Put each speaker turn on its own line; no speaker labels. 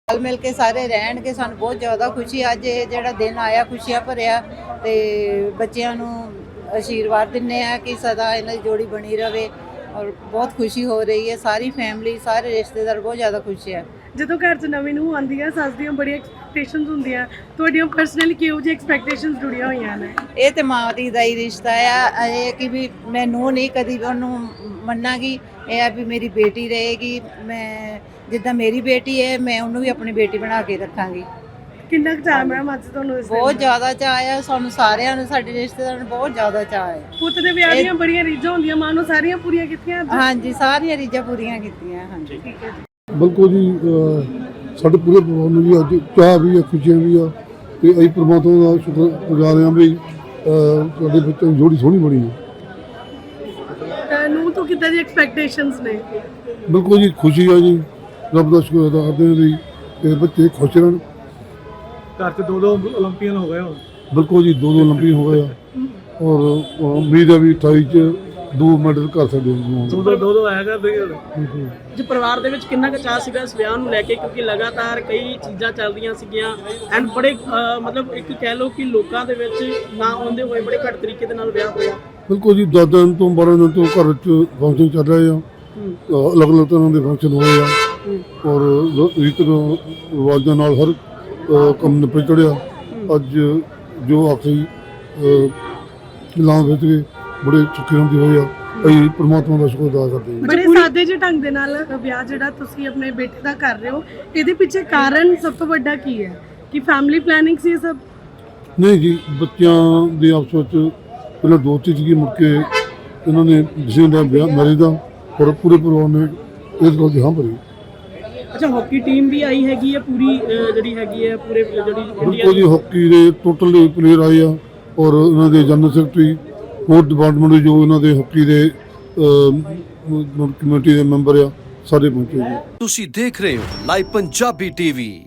ਰਲ ਮਿਲ ਕੇ ਸਾਰੇ ਰਹਿਣਗੇ। ਸਾਨੂੰ ਬਹੁਤ ਜ਼ਿਆਦਾ ਖੁਸ਼ੀ ਅੱਜ ਇਹ ਜਿਹੜਾ ਦਿਨ ਆਇਆ ਖੁਸ਼ੀਆਂ ਭਰਿਆ ਤੇ ਬੱਚਿਆਂ ਨੂੰ ਆਸ਼ੀਰਵਾਦ ਦਿੰਨੇ ਆ ਕਿ ਸਦਾ ਇਹਨਾਂ ਦੀ ਜੋੜੀ ਬਣੀ ਰਵੇ ਔਰ ਬਹੁਤ ਖੁਸ਼ੀ ਹੋ ਰਹੀ ਹੈ। ਸਾਰੀ ਫੈਮਿਲੀ ਸਾਰੇ ਰਿਸ਼ਤੇਦਾਰ ਬਹੁਤ ਜ਼ਿਆਦਾ ਖੁਸ਼ ਹੈ।
ਜਦੋਂ ਘਰ 'ਚ ਨਵੀਂ ਨੂੰਹ ਆਉਂਦੀ ਹੈ ਸੱਸ ਦੀਆਂ ਬੜੀਆਂ ਐਕਸਪੈਕਟੇਸ਼ਨਸ ਹੁੰਦੀਆਂ, ਤੁਹਾਡੀਆਂ ਪਰਸਨਲੀ ਕਿਹੋ ਜਿਹੀ ਐਕਸਪੈਕਟੇਸ਼ਨਸ ਜੁੜੀਆਂ ਹੋਈਆਂ ਨੇ?
ਇਹ ਤੇ ਮਾਂ ਧੀ ਦਾ ਹੀ ਰਿਸ਼ਤਾ ਆ। ਇਹ ਕਿ ਵੀ ਮੈਂ ਨੂੰਹ ਨਹੀਂ ਕਦੀ ਉਹਨੂੰ ਮੰਨਾਂਗੀ, ਇਹ ਆ ਵੀ ਮੇਰੀ ਬੇਟੀ ਰਹੇਗੀ। ਮੈਂ ਜਿੱਦਾਂ ਮੇਰੀ ਬੇਟੀ ਹੈ ਮੈਂ ਉਹਨੂੰ ਵੀ ਆਪਣੀ ਬੇਟੀ ਬਣਾ ਕੇ ਰੱਖਾਂਗੀ।
ਕਿੰਨਾ ਕੁ ਚਾਅ ਮੈਮ ਅੱਜ ਤੁਹਾਨੂੰ ਇਸ
ਬਹੁਤ ਜ਼ਿਆਦਾ ਚਾਅ ਆ ਸਾਨੂੰ ਸਾਰਿਆਂ ਨੂੰ, ਸਾਡੇ ਰਿਸ਼ਤੇਦਾਰਾਂ ਨੂੰ ਬਹੁਤ ਜ਼ਿਆਦਾ ਚਾਅ ਹੈ।
ਪੁੱਤ ਦੇ ਵਿਆਹ ਦੀਆਂ ਬੜੀਆਂ ਰੀਝਾਂ ਹੁੰਦੀਆਂ, ਮਾਂ ਨੂੰ ਸਾਰੀਆਂ ਪੂਰੀਆਂ ਕੀਤੀਆਂ ਅੱਜ?
ਹਾਂਜੀ ਸਾਰੀਆਂ ਰੀਝਾਂ ਪੂਰੀਆਂ ਕੀਤੀਆਂ। ਹਾਂਜੀ
ਠੀਕ ਹੈ ਜੀ।
ਬਿਲਕੁਲ ਜੀ, ਸਾਡੇ ਪੂਰੇ ਪਰਿਵਾਰ ਨੂੰ ਵੀ ਅੱਜ ਚਾਹ ਵੀ ਆ, ਖੁਸ਼ੀਆਂ ਵੀ ਆ ਤੇ ਅਸੀਂ ਪਰਮਾਤਮਾ ਦਾ ਸ਼ੁਕਰਗੁਜ਼ਾਰ ਹਾਂ ਵੀ ਸਾਡੇ ਬੱਚਿਆਂ ਦੀ ਜੋੜੀ ਸੋਹਣੀ ਬਣੀ ਹੈ।
ਨੂੰ ਤੋਂ ਕਿੱਦਾਂ ਦੀ ਐਕਸਪੈਕਟੇਸ਼ਨਸ ਨੇ?
ਬਿਲਕੁਲ ਜੀ, ਖੁਸ਼ੀ ਆ ਜੀ, ਰੱਬ ਦਾ ਸ਼ੁਕਰ ਅਦਾ ਕਰਦੇ ਹਾਂ ਜੀ ਤੇ ਬੱਚੇ ਖੁਸ਼ ਰਹਿਣ।
ਘਰ 'ਚ ਦੋ ਓਲੰਪੀਅਨ ਹੋ ਗਏ ਹੁਣ।
ਬਿਲਕੁਲ ਜੀ, ਦੋ ਓਲੰਪੀਅਨ ਹੋ ਗਏ ਆ ਔਰ ਉਮੀਦ ਹੈ ਵੀ 28 'ਚ 2 ਮੈਡਲ ਕਰ ਸਕਦੇ ਹਾਂ।
ਦੋ ਆਇਆ ਕਰਦੇ
ਜੀ ਪਰਿਵਾਰ ਦੇ ਵਿੱਚ ਕਿੰਨਾ ਕੁ ਚਾਅ ਸੀਗਾ ਇਸ ਵਿਆਹ ਨੂੰ ਲੈ ਕੇ, ਕਿਉਂਕਿ ਲਗਾਤਾਰ ਕਈ ਚੀਜ਼ਾਂ ਚੱਲਦੀਆਂ ਸੀਗੀਆਂ ਐਂਡ ਬੜੇ ਮਤਲਬ ਇੱਕ ਕਹਿ ਲਓ ਕਿ ਲੋਕਾਂ ਦੇ ਵਿੱਚ ਨਾ ਆਉਂਦੇ ਹੋਏ ਬੜੇ ਘੱਟ ਤਰੀਕੇ ਦੇ ਨਾਲ ਵਿਆਹ ਹੋਇਆ।
ਬਿਲਕੁਲ ਜੀ, 10 ਦਿਨ ਤੋਂ 12 ਦਿਨ ਤੋਂ ਘਰ 'ਚ ਫੰਕਸ਼ਨ ਚੱਲ ਰਹੇ ਆ, ਅਲੱਗ-ਅਲੱਗ ਤਰ੍ਹਾਂ ਦੇ ਫੰਕਸ਼ਨ ਹੋਏ ਆ ਔਰ ਰੀਤ ਰਿਵਾਜ਼ਾਂ ਨਾਲ ਹਰ ਕੰਮ ਨਿਪਟ ਚੜਿਆ। ਅੱਜ ਜੋ ਆਖਰੀ ਲਾਂ ਵਿੱਚ ਬੜੇ ਸੁੱਖੀ ਹੁੰਦੀ ਹੋਏ ਆ, ਅਸੀਂ ਪਰਮਾਤਮਾ ਦਾ ਸ਼ੁਕਰ ਅਦਾ ਕਰਦੇ ਹਾਂ।
ਬੜੇ ਸਾਦੇ ਜਿਹੇ ਢੰਗ ਦੇ ਨਾਲ ਵਿਆਹ ਜਿਹੜਾ ਤੁਸੀਂ ਆਪਣੇ ਬੇਟੇ ਦਾ ਕਰ ਰਹੇ ਹੋ, ਇਹਦੇ ਪਿੱਛੇ ਕਾਰਨ ਸਭ ਤੋਂ ਵੱਡਾ ਕੀ ਹੈ? ਕਿ ਫੈਮਿਲੀ ਪਲੈਨਿੰਗ ਸੀ ਇਹ ਸਭ?
ਨਹੀਂ ਜੀ, ਬੱਚਿਆਂ ਦੇ ਆਪਸ ਵਿੱਚ ਪਹਿਲਾਂ ਦੋਸਤੀ ਸੀਗੀ, ਮੁੜ ਕੇ ਇਹਨਾਂ ਨੇ ਡਿਸੀਜਨ ਦਾ ਵਿਆਹ ਮੈਰਿਜ ਦਾ ਔਰ ਪੂਰੇ ਪਰਿਵਾਰ ਨੇ ਇਸ ਗੱਲ ਦੀ ਹਾਂ ਭਰੀ।
ਅੱਛਾ, ਹਾਕੀ ਟੀਮ ਵੀ ਆਈ ਹੈਗੀ ਹੈ ਪੂਰੀ ਜਿਹੜੀ ਹੈਗੀ ਹੈ ਪੂਰੇ ਜਿਹੜੀ
ਬਿਲਕੁਲ ਜੀ, ਹਾਕੀ ਦੇ ਟੋਟਲ ਪਲੇਅਰ ਆਏ ਆ ਔਰ ਇਹਨਾਂ ਦੇ ਜਨਰਲ ਸੈਕਟਰੀ, ਸਪੋਰਟ ਡਿਪਾਰਟਮੈਂਟ ਦੇ ਜੋ ਇਹਨਾਂ ਦੇ ਹਾਕੀ ਦੇ ਕਮੇਟੀ ਦੇ ਮੈਂਬਰ ਆ, ਸਾਰੇ ਪਹੁੰਚੇ ਜੀ।
ਤੁਸੀਂ ਦੇਖ ਰਹੇ ਹੋ ਲਾਈਵ ਪੰਜਾਬੀ ਟੀਵੀ।